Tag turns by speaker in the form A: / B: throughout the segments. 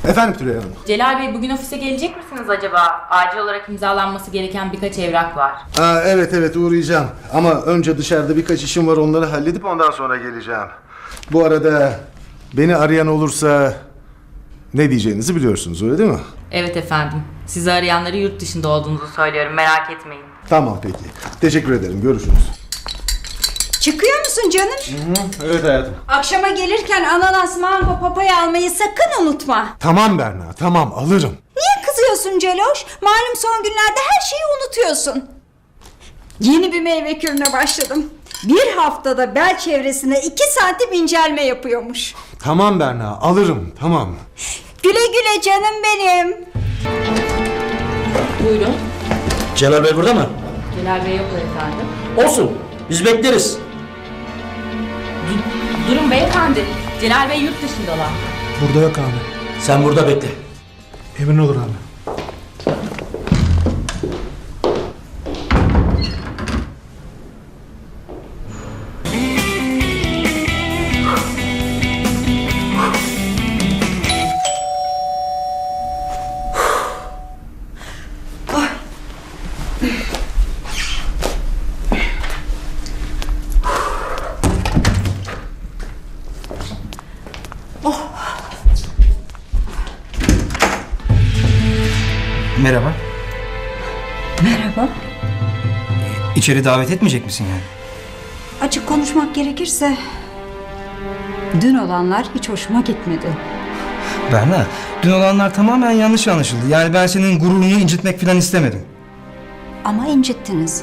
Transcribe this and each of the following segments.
A: Efendim Tülay Hanım.
B: Celal Bey, bugün ofise gelecek misiniz acaba? Acil olarak imzalanması gereken birkaç evrak var.
A: Evet uğrayacağım. Ama önce dışarıda birkaç işim var, onları halledip ondan sonra geleceğim. Bu arada beni arayan olursa ne diyeceğinizi biliyorsunuz, öyle değil mi?
B: Evet efendim. Sizi arayanları yurt dışında olduğunuzu söylüyorum. Merak etmeyin.
A: Tamam peki. Teşekkür ederim. Görüşürüz.
C: Çıkıyor musun canım?
A: Evet hayatım.
C: Akşama gelirken ananas, mango, papaya almayı sakın unutma.
A: Tamam Berna, tamam alırım.
C: Niye kızıyorsun Celoş? Malum son günlerde her şeyi unutuyorsun. Yeni bir meyve kürüne başladım. Bir haftada bel çevresine 2 santim incelme yapıyormuş.
A: Tamam Berna, alırım, tamam.
C: Güle güle canım benim.
B: Buyurun.
D: Celal Bey burada mı?
B: Celal Bey yoklar efendim.
D: Olsun. Biz bekleriz.
B: Durun beyefendi. Celal Bey yurt dışındalar.
A: Burada yok abi.
D: Sen burada bekle.
A: Emin olur abi.
E: Merhaba.
C: Merhaba.
E: İçeri davet etmeyecek misin yani?
C: Açık konuşmak gerekirse dün olanlar hiç hoşuma gitmedi.
E: Berna, dün olanlar tamamen yanlış anlaşıldı. Yani ben senin gururunu incitmek falan istemedim.
C: Ama incittiniz.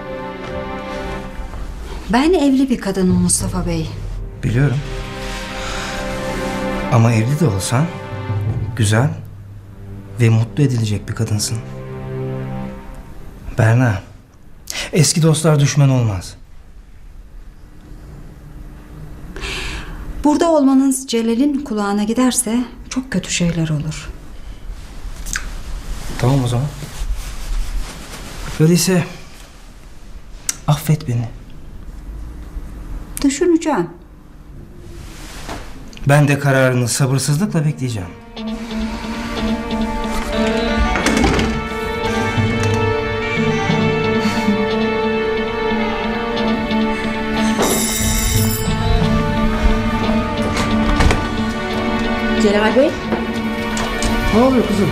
C: Ben evli bir kadınım Mustafa Bey.
E: Biliyorum. Ama evli de olsan güzel ve mutlu edilecek bir kadınsın. Berna, eski dostlar düşman olmaz.
C: Burada olmanız Celal'in kulağına giderse çok kötü şeyler olur.
E: Tamam o zaman. Öyleyse affet beni.
C: Düşüneceğim.
E: Ben de kararını sabırsızlıkla bekleyeceğim.
B: Celal Bey.
A: Ne oluyor kızım?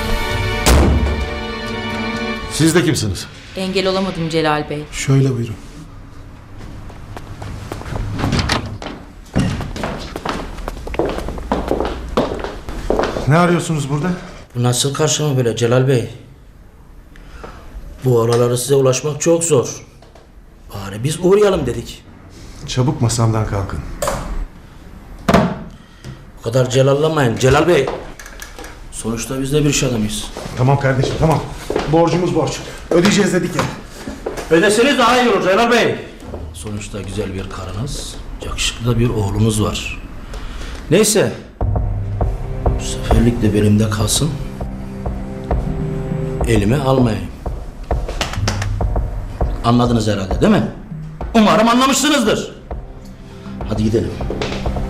A: Siz de kimsiniz?
B: Engel olamadım Celal Bey.
A: Şöyle buyurun. Ne arıyorsunuz burada?
D: Bu nasıl karşılama böyle Celal Bey? Bu araları size ulaşmak çok zor. Bari biz uğrayalım dedik.
A: Çabuk masamdan kalkın.
D: Bu kadar celallamayın Celal Bey. Sonuçta biz de bir iş adamıyız.
A: Tamam kardeşim, tamam. Borcumuz borç. Ödeyeceğiz dedik ya.
D: Ödeseniz daha iyi olur Celal Bey. Sonuçta güzel bir karınız, yakışıklı da bir oğlunuz var. Neyse. Bu seferlik de benimde kalsın. Elime almayayım. Anladınız herhalde değil mi? Umarım anlamışsınızdır. Hadi gidelim.